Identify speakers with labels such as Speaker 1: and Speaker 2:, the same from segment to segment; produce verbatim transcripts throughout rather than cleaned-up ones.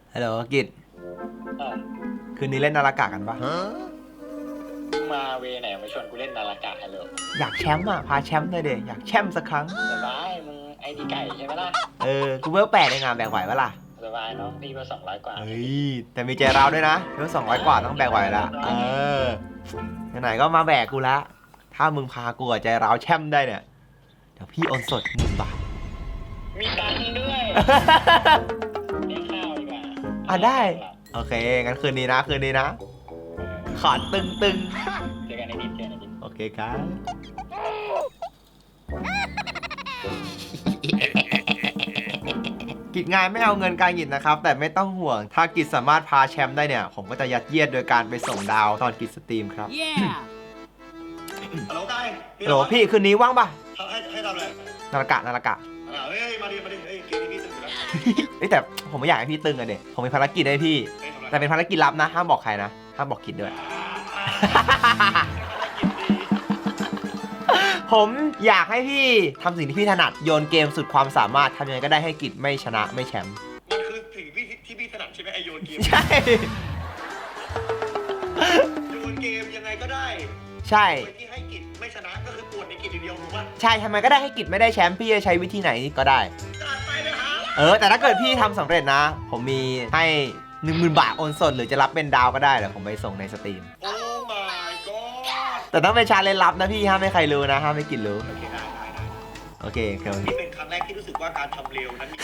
Speaker 1: ฮัลโหลกิจคืนนี้เล่นนาฬิกากันปะ
Speaker 2: มาเวไหนมาชวนกูเล่นนาฬิกาฮัลโหล
Speaker 1: อยากแชมป์อ่ะพาแชมป์เลยเดอยากแชมป์สักครั้ง
Speaker 2: สบายมึงไอดีไก่ใช่ไหมล่ะ
Speaker 1: เออกูเวลแปดเองอ่ะแบกไหวปะล่ะ
Speaker 2: สบายน้องพี่ก็สองร้อยกว่า
Speaker 1: เฮ้ยแต่มีใจเราด้วยนะเวลสองร้อยกว่าต้องแบกไหวละเออไหนๆก็มาแบกกูละถ้ามึงพากูกับใจเราแชมป์ได้เนี่ยเดี๋ยวพี่โอนสดหนึ่งบาท
Speaker 2: มีตังค์ด้วยเลี้ยงข้าวดีกว่า
Speaker 1: อ่ะได้โอเคงั้นคืนนี้นะคืนนี้นะขอตึงตึง
Speaker 2: เจอกันในดิสเจอกันในดิส
Speaker 1: โอเคครับกิจงานไม่เอาเงินการกิจนะครับแต่ไม่ต้องห่วงถ้ากิจสามารถพาแชมป์ได้เนี่ยผมก็จะยัดเยียดโดยการไปส่งดาวตอนกิจสตรีมครับ
Speaker 3: ฮัลโหลไก่
Speaker 1: โหลพี่คืนนี้ว่างปะ
Speaker 3: ให้ให้ทำอะไร
Speaker 1: นาฬิกานาฬิกา
Speaker 3: เฮ้ยมาดิมาดิเฮ้ยเกมนี้พี่ตึงอยู่แล้ว
Speaker 1: เฮ้ยแต่ผมไม่อยากให้พี่ตึงอะเด็กผมมีภารกิจให้พี่แต่เป็นภารกิจลับนะห้ามบอกใครนะห้ามบอกกิจด้วยผมอยากให้พี่ทำสิ่งที่พี่ถนัดโยนเกมสุดความสามารถทำยังไงก็ได้ให้กิจไม่ชนะไม่แชมป์
Speaker 3: มันคือสิ่งที่ที่พี่ถนัดใช่ไหมไอโยนเกม
Speaker 1: ใช่
Speaker 3: โยนเกมยังไงก็ได้
Speaker 1: ใช่
Speaker 3: ที่ให้กิจไม่ชนะก็คือปวดในกิจเดียวถูกป่ะ
Speaker 1: ใช่ทำไมก็ได้ให้กิจไม่ได้แชมป์พี่จะใช้วิธีไหนก็ได้
Speaker 3: จัดไปเลยฮะ
Speaker 1: เออแต่ถ้าเกิดพี่ทำสำเร็จนะผมมีให้หนึ่งหมื่นบาทโอนสดหรือจะรับเป็นดาวก็ได้เดี๋ยวผมไปส่งในสตรีม
Speaker 3: โอ้ my god
Speaker 1: แต่ต้องเป็นชาเลนจ์ลับนะพี่ห้ามไม่ใครรู้นะห้ามไม่กิจรู้โอเคได้ได้ได้โอเค
Speaker 3: นี่เป็นครั้งแรกที่รู้สึกว่าการทำเร็วนั้น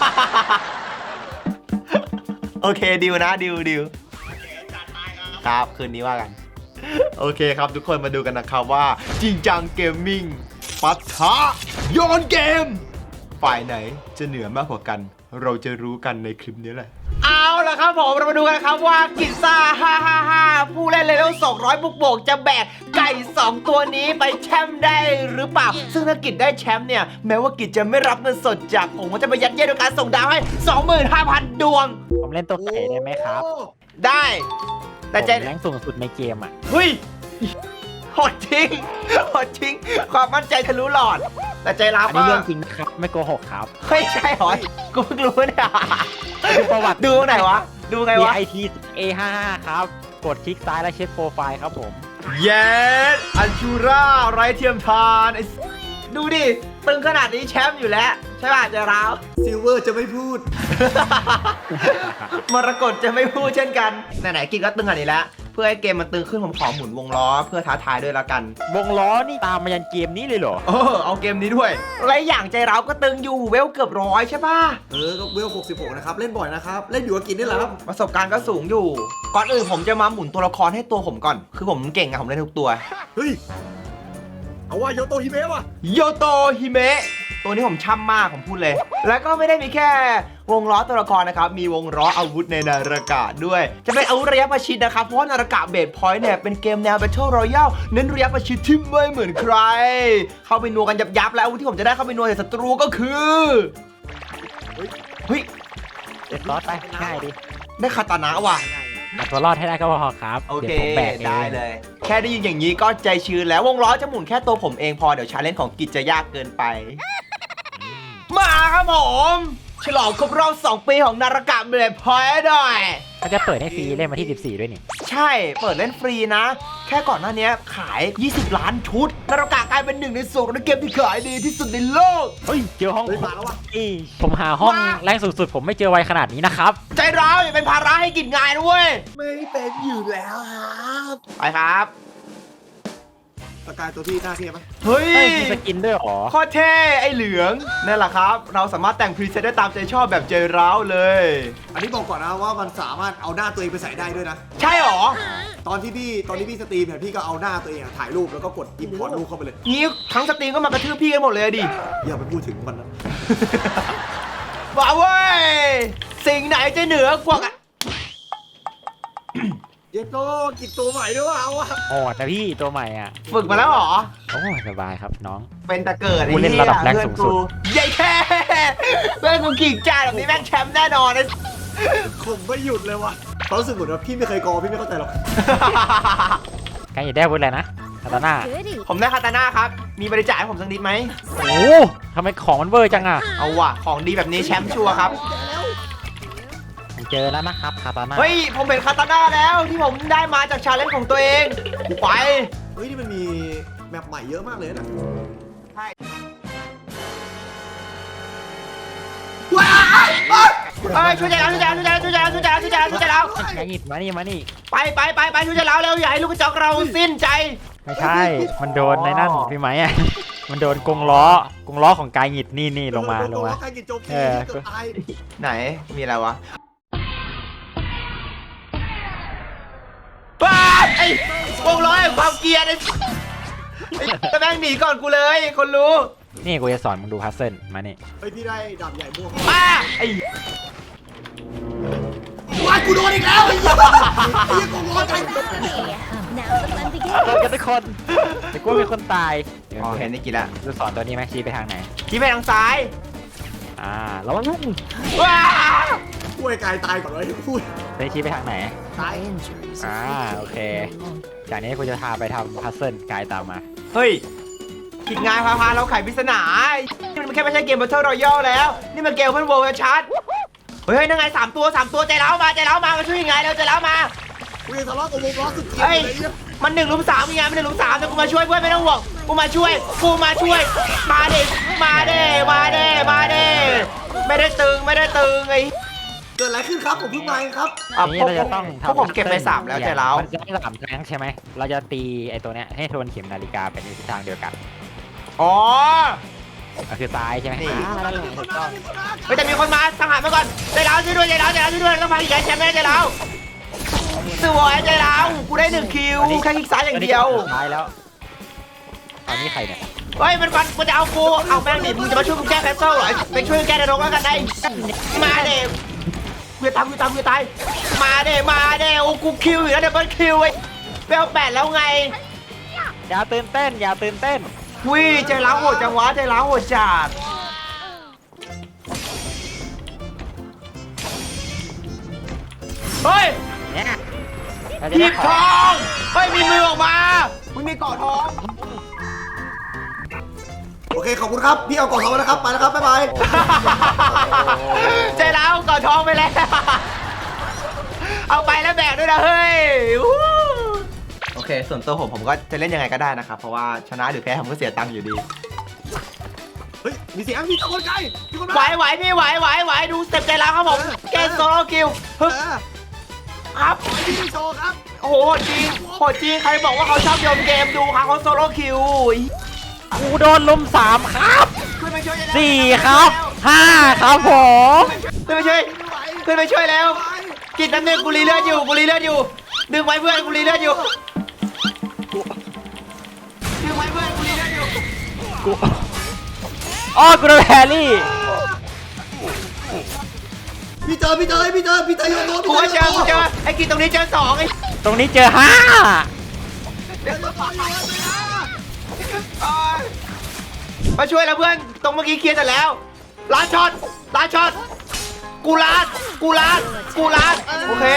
Speaker 1: โอเคดิวนะดิวดิวครับคืนนี้ว่ากันโอเคครับทุกคนมาดูกันนะครับว่าจริงจังเกมมิ่งปะทะโยนเกมฝ่ายไหนจะเหนือมากกว่ากันเราจะรู้กันในคลิปนี้แหละเอาล่ะครับผมเรามาดูกันครับว่ากิจซ่าห้าห้าห้าผู้เล่นเลเวลสองร้อยบุกโบกจะแบกไก่สองตัวนี้ไปแชมป์ได้หรือเปล่าซึ่งถ้ากิจได้แชมป์เนี่ยแม้ว่ากิจจะไม่รับเงินสดจากผมก็จะไปยัดเยียดด้วยการส่งดาวให้ สองหมื่นห้าพัน ดวง
Speaker 4: ผมเล่นตัวไก่ได้ไหมครับ
Speaker 1: ได้แต่ใจ
Speaker 4: แรงสูงสุดในเกมอ่ะ
Speaker 1: เฮ้ยโหดจริงโหดจริงความมั่นใจทะลุหลอดแต่ใจร้าว
Speaker 4: อันนี้เรื่องจริงนะครับไม่โกหกครับ
Speaker 1: เฮ้ยใช่หรอกูเพิ่งรู้เนี่ย
Speaker 4: ดูประวัติ
Speaker 1: ดูไหนวะดูไงวะ
Speaker 4: ไอ ที เอ ห้าห้า ครับกดคลิกซ้ายแล้วเช็คโปรไฟล์ครับผม
Speaker 1: เย้อันชูราไร้เทียมทานดูดิตึงขนาดนี้แชมป์อยู่แล้วใช่ป่ะใจร้าว
Speaker 3: ซิลเวอร์จะไม่พูด
Speaker 1: มรกตจะไม่พูดเช่นกันไหนๆกินก็ตึงขนาดนี้แล้วเพื่อให้เกมมันตึงขึ้นผมขอหมุนวงล้อเพื่อท้าทายด้วยละกัน
Speaker 4: วงล้อนี่ตามมายันเกมนี้เลยเหรอ
Speaker 1: เออเอาเกมนี้ด้วยอะไรอย่างใจเราก็ตึงอยู่เวลเกือบร้อยใช่ป่ะ
Speaker 3: เออก็เวลหกสิบหกนะครับเล่นบ่อยนะครับเล่นอยู่กับกินนี่แหละครับ
Speaker 1: ประสบการณ์ก็สูงอยู่ก่อนอื่นผมจะมาหมุนตัวละครให้ตัวผมก่อนคือผมเก่งอะผมเล่นทุกตัว
Speaker 3: เฮ้ยเอาว่าโยโตฮิเมะว่ะ
Speaker 1: โยโตฮิเมะตัวนี้ผมช่ำมากผมพูดเลยแล้วก็ไม่ได้มีแค่วงล้อตัวละครนะครับมีวงล้ออาวุธในนาฬิกาด้วยจะเป็นอาวุธระยะประชิดนะครับเพราะนาฬิกาเบสพอยต์เนี่ยเป็นเกมแนว Battle Royale เน้นระยะประชิดที่ไม่เหมือนใครเข้าไปนัวกันยับๆแล้วอาวุธที่ผมจะได้เข้าไปนัวใส่ศัตรูก็คือเฮ้ย
Speaker 4: เด็ดรอดไปง่ายดิ
Speaker 1: ได้คาตานะว่ะ
Speaker 4: ตัวรอดให้ได้ก็พอครับ
Speaker 1: โอเคได้เลยแค่ได้ยินอย่างนี้ก็ใจชื้นแล้ววงล้อจะหมุนแค่ตัวผมเองพอเดี๋ยวชาเลนจ์ของกิจจะยากเกินไปมาครับผมฉลองครบรอบสองปีของนาฬิกาเบสพอยต์หน่อย
Speaker 4: เขาจะเปิดให้ฟรีเล่นมาที่สิบสี่ด้วยนี่
Speaker 1: ใช่เปิดเล่นฟรีนะแค่ก่อนหน้านี้ขายยี่สิบล้านชุดนาฬิกากลายเป็นหนึ่งในสูตรในเกมที่ขายดีที่สุดในโลก
Speaker 4: เฮ้ยเจอห้องมาแล้ววะผมหาห้องแรงสุดๆผมไม่เจอไวขนาดนี้นะครับ
Speaker 1: ใจร้าวอย่าเป็นภาระให้กินงานด้วย
Speaker 3: ไม่เป็นอยู่แล้วครับ
Speaker 1: ไปครับ
Speaker 3: สกายตัวที่หน้าเทียบไหม
Speaker 1: เฮ้ย
Speaker 4: มีสกินด้วยหรอ
Speaker 1: ข้อเท่ไอเหลืองนั่นแหละครับเราสามารถแต่งพรีเซตได้ตามใจชอบแบบใจร้าวเลย
Speaker 3: อันนี้บอกก่อนนะว่ามันสามารถเอาหน้าตัวเองไปใส่ได้ด้วยนะ
Speaker 1: ใช่หรอ
Speaker 3: ตอนที่พี่ตอนที่พี่สตรีมเนี่ยพี่ก็เอาหน้าตัวเองถ่ายรูปแล้วก็กดอิมพอร์ตรูปเข้าไปเลย
Speaker 1: นี่ทั้งสตรีมก็มากระทืบพี่กันหมดเลยดิ
Speaker 3: อย่าไปพูดถึงมันนะ
Speaker 1: ว้าวเว้ยสิ่งไหนจะเหนือกว่า
Speaker 3: เยโต้กินตัวใหม่ด้วยเอาอะ
Speaker 4: โอ้แต่พี่ตัวใหม่อ่ะ
Speaker 1: ฝึกมาแล้วหรอ
Speaker 4: โอ้สบายครับน้อง
Speaker 1: เป็นแต่เกิด
Speaker 4: กูเล่นระดับแรงสูงสุด
Speaker 1: ใหญ่แค่เพื่อนกูกิ่งจ่าแบบนี้แม่งแชมป์แน่นอนเลย
Speaker 3: ผมไม่หยุดเลยวะเขารู้สึกเหมือนว่าพี่ไม่เคยกอพี่ไม่เข้าใจหรอก
Speaker 4: ใครอยากได้อาวุธอะไรนะคาตาน่า
Speaker 1: ผมได้คาตาน่าครับมีบริจาคให้ผมสักนิดไหม
Speaker 4: โอ้ทำไมของมันเวอร์จังอ่ะ
Speaker 1: เอาว่ะของดีแบบนี้แชมป์ชัวร์ครับ
Speaker 4: ผเจอแล้วนะครับคาตาน่า
Speaker 1: เฮ้ยผมเห็นคาตาน่าแล้วที่ผมได้มาจากชาเลนจ์ของตัวเองกูไป
Speaker 3: เฮ้ยนี่มันมีแมปใหม่เยอะมากเลยนะว้ายว้าย
Speaker 1: เอ้ยช่วยใจเราช่วยใจเราช่วยใจเราช่วยใจเราช่วยใจเราช่วยใจเราช่วยใจเรา
Speaker 4: ไก่หงิดมานี่มานี่
Speaker 1: ไปไปไปไปช่วยใจเราเร็วอย่าให้ลูกกระจอกเราสิ้นใจ
Speaker 4: ไม่ใช่ มันโดนในนั่นพี่ไหมอ่ะ มันโดนกรงล้อกรงล้อของกายหงิดนี่นี่ลงมาลงมา
Speaker 3: ใครกินโจมตี
Speaker 4: เออ
Speaker 3: เกือบตาย
Speaker 1: ไหนมีอะไรวะบ้าไอ้วงล้อแห่งความเกลียดไอ้ไอ้แต่แม่งหนีก่อนกูเลยคนรู้
Speaker 4: นี่กูจะสอนมึงดูพัซเซิลมานี่
Speaker 3: เฮ้ยพี่ได้ดาบใหญ่ม่วง
Speaker 1: ป้าไอ้
Speaker 3: ว้ายกูโดนอีกแล้วไอ้เหี้ยไอ้เหี้ยกูร้อนใจ
Speaker 5: Now the fun begins.
Speaker 4: โดนกันทุกคนแต่กูเป็นคนตาย
Speaker 1: อ๋อเห็นได้กี่ละ
Speaker 4: จะสอนตัวนี้ไหมชี้ไปทางไหน
Speaker 1: ชี้ไปทางซ้าย
Speaker 4: อ่าระวังนุ่ง
Speaker 1: ว้า
Speaker 3: กูไอ้กายตายก่อนเลยพูด
Speaker 4: ไปชี้ไปทางไหน
Speaker 3: ตาย
Speaker 5: Injuries
Speaker 4: อ่า
Speaker 5: afflicted
Speaker 4: โอเค
Speaker 5: no longer.
Speaker 4: จากนี้กูจะพาไปทำพัซเซิลกายตามมา
Speaker 1: เฮ้ยผิดงานพาพาเราไขปริศนานี่มันแค่ไม่ใช่เกม Battle Royale แล้วนี่มันเกมเพื่อนโวลชัดเฮ้ยนั่งไงสามตัวสามตัวใจเล้ามาใจเล้ามามาช่วยยังไงเร็วใจเล้ามา
Speaker 3: กูยังทะเลาะกับวงล้อสุดเกลียด
Speaker 1: เฮ้ย
Speaker 3: เลยเนี่ย
Speaker 1: มันหนึ่งลุมสามยังไงมันหนึ่งลุมสามแต่กูมาช่วยเพื่อนไม่ต้องห่วงกูมาช่วยกูมาช่วยมาเด้มาเด้มาเด้มาเด้ไม่ได้ตึงไม่ได้ตึงไอ้
Speaker 3: เกิดอะไรขึ้นครับผมเพิ่งมาเองครับ
Speaker 1: อ่ะ
Speaker 4: ทีนี้
Speaker 1: พวก
Speaker 4: เราจะต้อง
Speaker 1: พวกผมเก็บไปสามแล้วใจเล้า
Speaker 4: มันจะได้สามครั้งใช่ไหม เราจะตีไอ้ตัวเนี้ยให้ทวนเข็มนาฬิกาเป็นในทิศทางเดียวกัน
Speaker 1: อ๋อ
Speaker 4: ก็คือซ้ายใช่ไหม
Speaker 1: นี่
Speaker 4: อ่านั่นแหละถูกต้อง
Speaker 1: เฮ้ยแต่มีคนมาทหารมาก่อนใจเล้าช่วยด้วยใจเล้าใจเล้าช่วยด้วยต้องพาอีกแชมป์แม่ใจเล้าสวยใจเล้ากูได้หนึ่งคิวแค่คลิกซ้ายอย่างเดียว
Speaker 4: ซ้ายแล้วอันนี้ใครเนี่ย
Speaker 1: เฮ้ยมันฟันมันจะเอากูเอาแม่งดิมึงจะมาช่วยกูแก้แคสเซิลเหรอไปช่วยแก้ในโรงแล้วกันได้มาเด้กูจะตามกูจะตามกูจะตายมาเด้มาเด้โอ้กูคิวอยู่แล้วเดี๋ยวเบิร์ดคิวไอ้เบลแปดแล้วไง
Speaker 4: อย่าตื่นเต้น อย่าตื่นเต้น
Speaker 1: วิใจร้าวโหดจังวะใจร้าวโหดจัดเฮ้ย
Speaker 4: เนี่ยเราจะ
Speaker 1: หยิ
Speaker 4: ได้
Speaker 1: บ
Speaker 4: ข
Speaker 1: ท
Speaker 4: อ
Speaker 1: องเฮ้ยมีมือออกมามึงมีเกาะทอง
Speaker 3: โอเคขอบคุณครับพี่เอากล่องทองมาแล้วครับไปแล้วครับบ๊ายบาย
Speaker 1: ใจร้าวเกาะทองไปแล้วเอาไปแล้วแบกด้วยนะเฮ้ยวู้โอเคส่วนตัวผมผมก็จะเล่นยังไงก็ได้นะครับเพราะว่าชนะหรือแพ้ผมก็เสียตังค์อยู่ดี
Speaker 3: เฮ้ยมีเสียงมีตะโกนไกลมีคนมา
Speaker 1: ไหวไหวพี่ไหวไหวไหวดูสเต็ปใจร้าวครับผมเกมโซโล่คิว
Speaker 3: เอ
Speaker 1: ฮึบ
Speaker 3: อ
Speaker 1: ครับ
Speaker 3: พี่โชว์ครับ
Speaker 1: โอ้โหโหดจริงโหดจริงใครบอกว่าเขาชอบโยนเกมดูครับเขาโซโล่คิว
Speaker 4: กูโดนลุมสามครับ
Speaker 1: ขึ้นไปช่วย
Speaker 4: สี่ครับห้าครับผม
Speaker 1: ขึ้นไปช่วย
Speaker 3: ไม่ไหว
Speaker 1: ขึ้นไปช่วยแล้ว
Speaker 3: ไม่ไหว
Speaker 1: กินน้ำหนึ่งกูรีเลือดอยู่กูรีเลือดอยู่ดึงไว้เพื่อนกูรีเลือดอยู่ดึงไว้เพื่อนกูรีเลือดอยู่
Speaker 4: อ๋อกูโดนแฮร์รี่
Speaker 3: พี่เจอพี่เจอพี่เจอพี่เจอโยนโน้ต
Speaker 1: กูก็เจอกูเจอไอ้กินตรงนี้เจอสองไอ้
Speaker 4: ตรงนี้เจอห้า
Speaker 3: เจอโยนโน้ตเลยนะ
Speaker 1: อ่ามาช่วยแล้วเพื่อนตรงเมื่อกี้เคลียร์เสร็จแล้วล้านช็อตล้านช็อตกูลาดกูลาดกูลาดโอเค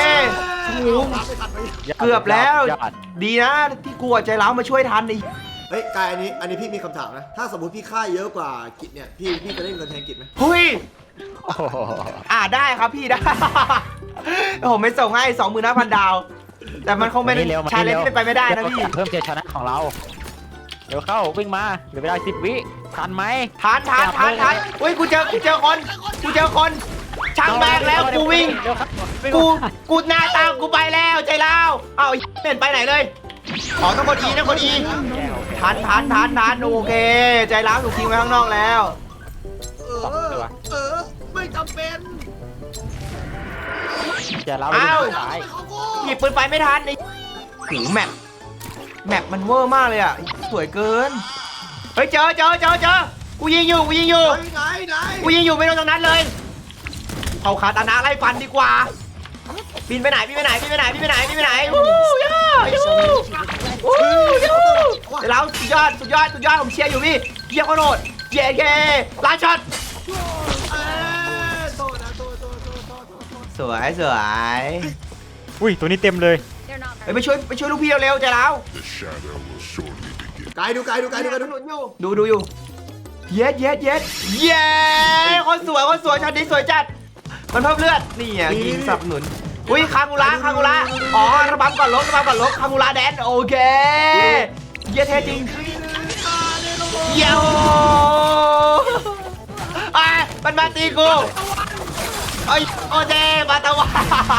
Speaker 1: เกือบแล้ว
Speaker 4: ยอด
Speaker 1: ดีนะที่กูอะใจร้าวมาช่วยทันไอ้
Speaker 3: เฮ้ยกายอันนี้อันนี้พี่มีคำถามนะถ้าสมมติพี่ค่าเยอะกว่ากิจเนี่ยพี่พี่จะได้เงินแทนกิจไหม
Speaker 1: เฮ้ย
Speaker 4: โอ้โห
Speaker 1: อ่าได้ครับพี่ได้ ผมไม่ส่งให้สองหมื่นห้าพันดาว แต่มันคงเป็น
Speaker 4: มานี่เร็วมา
Speaker 1: ชา
Speaker 4: นี่
Speaker 1: เลน
Speaker 4: เร็ว
Speaker 1: ที่เป็นไปไม่ได้นะพี่
Speaker 4: เพิ่มเจชนะของเรา เดี๋ยวเข้าวิ่งมาเหลือเวลาสิบวิทันไหม
Speaker 1: ทานทานทานทานอุ้ยกูเจอกูเจอคนกูเจอคนช่างแบกแล้วกูวิ่ง
Speaker 4: เร็วครับวิ่ง
Speaker 1: กู
Speaker 4: มา
Speaker 1: กูหน้าตามกูไปแล้วใจเล่าเอาไอ้เห็นไปไหนเลยขอต้องกดอีนะกดอีทันทันทันทันโอเค ใจร้าวถูกทิ้งไว้ข้างนอกแล้ว
Speaker 3: เออเออไม่จำเป็น
Speaker 4: เจอเราไปดูซ้าย
Speaker 3: เขากู
Speaker 1: หยิบปืนไปไม่ทันไอ้หูแมปแมปมันเวอร์มากเลยอ่ะสวยเกินเฮ้ยเจอเจอเจอเจอกูยิงอยู่กูยิงอยู่
Speaker 3: ไหนไหน
Speaker 1: กูยิงอยู่ไม่โดนตรงนั้นเลยเขาคาตานะไล่ฟันดีกว่าบินไปไหนบินไปไหนบินไปไหนบินไปไหนบินไปไหนวู้ย่ายูวู้ยูเดี๋ยวเราสุดยอดสุดยอดสุดยอดผมเชียร์อยู่พี่เยี่ยมโคตรโหดเย้เย้ล้านช็อต
Speaker 3: เออโทษนะโทษโทษโทษโทษโทษโทษ
Speaker 1: สวยสวย
Speaker 4: อุ้ยตัวนี้เต็มเลย
Speaker 5: They're not
Speaker 1: เฮ้ยไปช่วยไปช่วยลูกพี่เร็วๆใจเรา
Speaker 6: The shadow will shortly begin.
Speaker 3: ไกลดูไกลดูไกลดูไกลดู
Speaker 1: ดูดูอยู่เย็ดเย็ดเย็ดเย้คนสวยคนสวยช็อตนี้สวยจัดมันเพิ่มเลือดนี่อ่ะยิงสนับสนุนอุ้ยคางูระคางูระอ๋อระบำก่อนลบระบำก่อนลบคางูระแดนโอเคเยี่ยเท่จริงเยี่ยวอ่ะมันมาตีกูไอ้ยโอเจมาตะวัน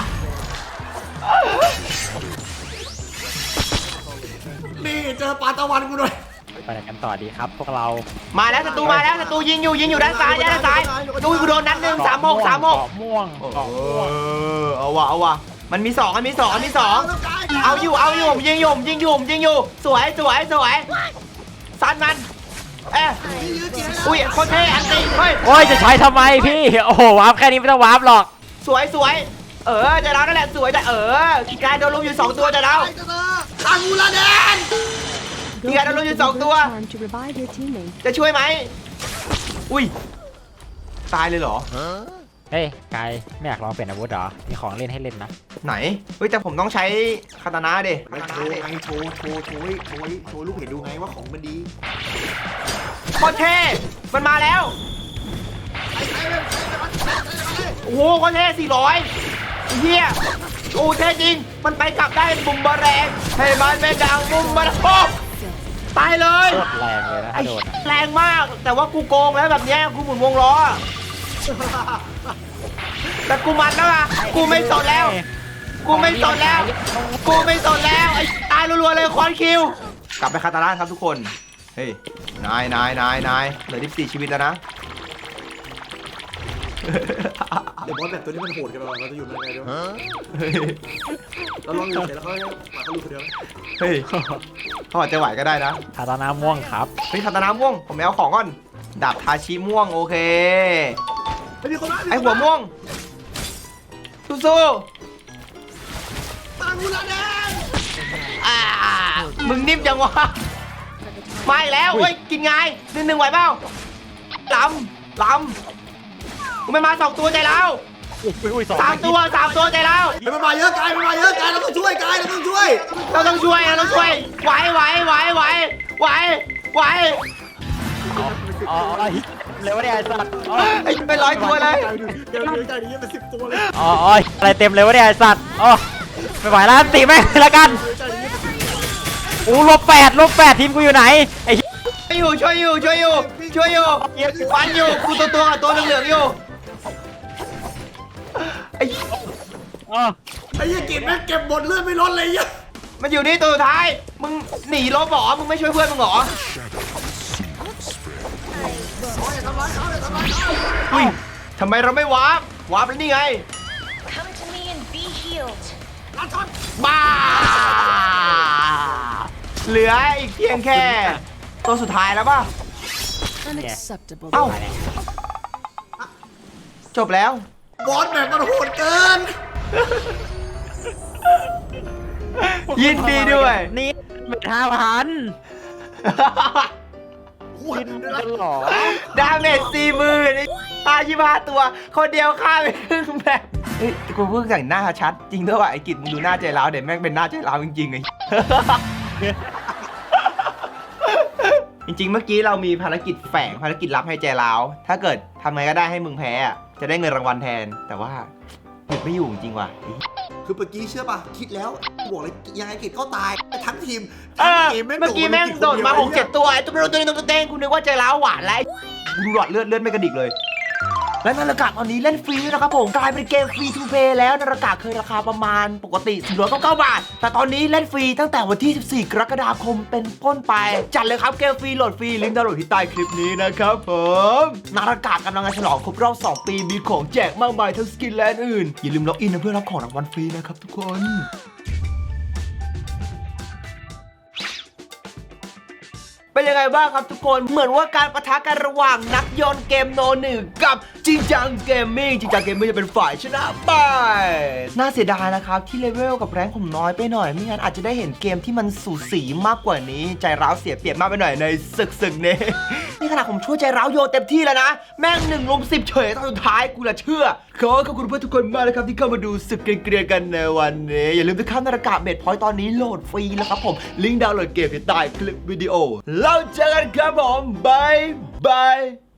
Speaker 3: นี่เจอปลาตะวันกูหน่อย
Speaker 4: ไปไหนกันต่อดีครับ พวกเรา
Speaker 1: มาแล้วศัตรูมาแล้วศัตรูยิงอยู่ยิงอยู่ด้านซ้ายด้านซ้ายดูกูโดนนัดหนึ่งสามหกสามหก
Speaker 4: เกาะม่วงเกาะม่วง
Speaker 1: เอาวะเอาวะมันมีสองมันมีสองมันมีสองเอาอยู่เอาอยู่ยิงอยู่ยิงอยู่ยิงอยู่สวยสวยสวยซัดมันเอ๊ะอุ้ยโคตรเท่อันตีเฮ้ย
Speaker 4: โอ้ยจะใช้ทำไมพี่ โอ้โหวาร์ปแค่นี้ไม่ต้องวาร์ปหรอก
Speaker 1: สวยสวยเออจะเรานั่นแหละสวยแต่เออกายโดนลุมอยู่สองตัวจะเรา
Speaker 3: คางูระแดน
Speaker 1: กายโดนลุมอยู่สองตัว
Speaker 5: to revive your teammate.
Speaker 1: จะช่วยไหมอุ้ยตายเลยเหรอ
Speaker 4: เฮ้ยกายไม่อยากลองเปลี่ยนอาวุธเหรอ มีของเล่นให้เล่นนะ
Speaker 1: ไหนเฮ้ยแต่ผมต้องใช้คาตานะดิ
Speaker 3: ไอ้โชว์ไงโชว์โชว์โชว์ให้โชว์ให้โชว์ลูกเห็นดูไงว่าของมันดี
Speaker 1: โคตรเท่มันมาแล้วโอ้โหโคตรเท่สี่ร้อยเฮียโอ้เท่จริงมันไปกลับได้บุมบะแรงให้มันเป็นดังบุมบะโอ้ตายเลย
Speaker 4: โคตรแรงเลยนะ
Speaker 1: ไอ้
Speaker 4: ถ้าโดนอะ
Speaker 1: แรงมากแต่ว่ากูโกงแล้วแบบเนี้ยกูหมุนวงล้อแต่กูมันแล้วอะกูไม่สนแล้ว กูไม่สนแล้ว กูไม่สนแล้วไอ้ตายรัวๆเลยคอนคิวกลับไปคาตาล่าครับทุกคนเฮ้ยนายนายนายนายเหลือสิบสี่ชีวิตแล้วนะ
Speaker 3: เดี๋ยวบอสแบบตัวนี้มันโหดกันไปเราจะอยู่ยังไงด้วยเราลองอยู่เสร็จแล้วเขาให้หมาเขาลูกคนเดียว
Speaker 1: เฮ้ยเขาอาจจะไหวก็ได้นะ
Speaker 4: คาตานาม่วงครับ
Speaker 1: เฮ้ยคาตานาม่วงผมไปเอาของก่อนดาบทาชิม่วงโอเค
Speaker 3: ไม่มีคนมา
Speaker 1: ไอหัวม่วงสู้
Speaker 3: คางูระแดน
Speaker 1: ๆอ่ามึงนิ่มจังวะมาอีกแล้วเฮ้ยกินไงหนึ่งหนึ่งไหวเปล่าลำลำกูไม่มาสองตัวใจแล้ว
Speaker 4: อุ้ยสอง
Speaker 1: สามตัวสามตัวใจแล้ว
Speaker 3: เฮ้ยมันมาเยอะกายมันมาเยอะกายเราต้องช่วยกายเราต้องช่วย
Speaker 1: เราต้องช่วยเราต้องช่วยไหวไหวไหวไหวไหวไหว
Speaker 4: อ๋ออ๋อเร็วเนี่ยไอ้สัตว์อ๋อ
Speaker 1: ไอ้เป็นร้อยตัวเลย
Speaker 3: เดี๋ยวเดี๋ยวกายนี้เป็นสิบตัวเลย
Speaker 4: อ๋ออ๋ออะไรเต็มเลยวะเนี่ยไอ้สัตว์อ๋อไม่ไหวแล้วตีแม่งเลยละกันอู้ลบแปดลบแปดทีมกูอยู่ไหนไอ้
Speaker 1: ช่วยอยู่ช่วยอยู่ช่วยอยู่ช่วยอยู่ฟันอยู่กูตัวตัวกับตัวเหลืองๆอยู่ไอ้
Speaker 4: อ๋อ
Speaker 3: ไอ้ยี่กินแม่งเก็บบทเลือดไม่ลดเลยยี่
Speaker 1: มันอยู่นี่ตัวสุดท้ายมึงหนีลบเหรอมึงไม่ช่วยเพื่อนมึงเหรออุ้ยทำไมเราไม่วาร์ปวาร์ปแล้วนี่ไง
Speaker 5: Come to me and be healed.
Speaker 1: บ้าเหลืออีกเพียงแค่ตัวสุดท้ายแล้วป่ะ
Speaker 5: Unacceptable.
Speaker 1: เอ้าจบแล้ว
Speaker 3: บอสแบบมันโหดเกิน
Speaker 1: ยินดีด้วย
Speaker 4: นี่เป็นห้าพัน
Speaker 3: โหด
Speaker 4: จะหรอ
Speaker 1: ดาเมจสี่หมื่นตายยี่ห้าตัว คนเดียวฆ่าไปครึ่งแบบเฮ้ยกูเพิ่งแต่งหน้าชัด จริงด้วยว่ะไอ้กิจมึงดูหน้าใจร้าวเดี๋ยวแม่งเป็นหน้าใจร้าวจริงๆไง จริงๆเมื่อกี้เรามีภารกิจแฝงภารกิจลับให้ใจร้าวถ้าเกิดทำไงก็ได้ให้มึงแพ้อะจะได้เงินรางวัลแทน แต่ว่าหยุดไม่อยู่จริงว่ะ
Speaker 3: คือเมื่อกี้เชื่อป่ะคิดแล้วบอกเลยยังไงกิจก็ตายทั้งทีม
Speaker 1: เอ
Speaker 3: ทั้ง
Speaker 1: อ
Speaker 3: เกมแม่ง
Speaker 1: เมื่อกี้แม่งโดดมาหกเจ็ด
Speaker 3: ตัว
Speaker 1: ตัวไอ้ตัวเป็นตัวนี้ตัวเต้งคุณนึกว่าใจร้าวหวานแล้วดูหลอดเลือดเลือดไม่กระดิกเลย และนาฬิกาตอนนี้เล่นฟรีด้วยนะครับผมกลายเป็นเกมฟรีทูเพย์แล้วนาฬิกาเคยราคาประมาณปกติสี่ร้อยเก้าสิบเก้าบาท แต่ตอนนี้เล่นฟรีตั้งแต่วันที่สิบสี่กรกฎาคมเป็นต้นไป จัดเลยครับเกมฟรีโหลดฟรีลิงก์ดาวน์โหลดที่ใต้คลิปนี้นะครับผมนาฬิกากำลังจะฉลองครบรอบสองปีมีของแจกมากมายทั้งสกินและอื่นอย่าลืมล็อกอินนะเพื่อรับของรางวัลฟรีนะครับทุกคน เป็นยังไงบ้างครับทุกคนเหมือนว่าการปะทะกันระหว่างนักโยนเกมโนหนึ่งกับจริงจังเกมมิ่งจริงจังเกมมิ่งจะเป็นฝ่ายชนะไปน่าเสียดายนะครับที่เลเวลกับแรงผมน้อยไปหน่อยไม่งั้นอาจจะได้เห็นเกมที่มันสูสีมากกว่านี้ใจร้าวเสียเปรียบมากไปหน่อยในศึกศึกนี้ นี่ขนาดผมช่วยใจร้าวโยนเต็มที่แล้วนะแม่งหนึ่งลุมสิบเฉยตอนสุดท้ายกูละเชื่อขอขอบคุณเพื่อนทุกคนมากเลยครับที่เข้ามาดูศึกเกรียนๆกันในวันนี้อย่าลืมไปข้ามนาฬิกาเบ็ดพอยต์ตอนนี้โหลดฟรีแล้วครับผมลิงก์ดาวน์โหลดเกมที่ใต้คลิปวิดีโอแล้วเจอกันครับผมบายบาย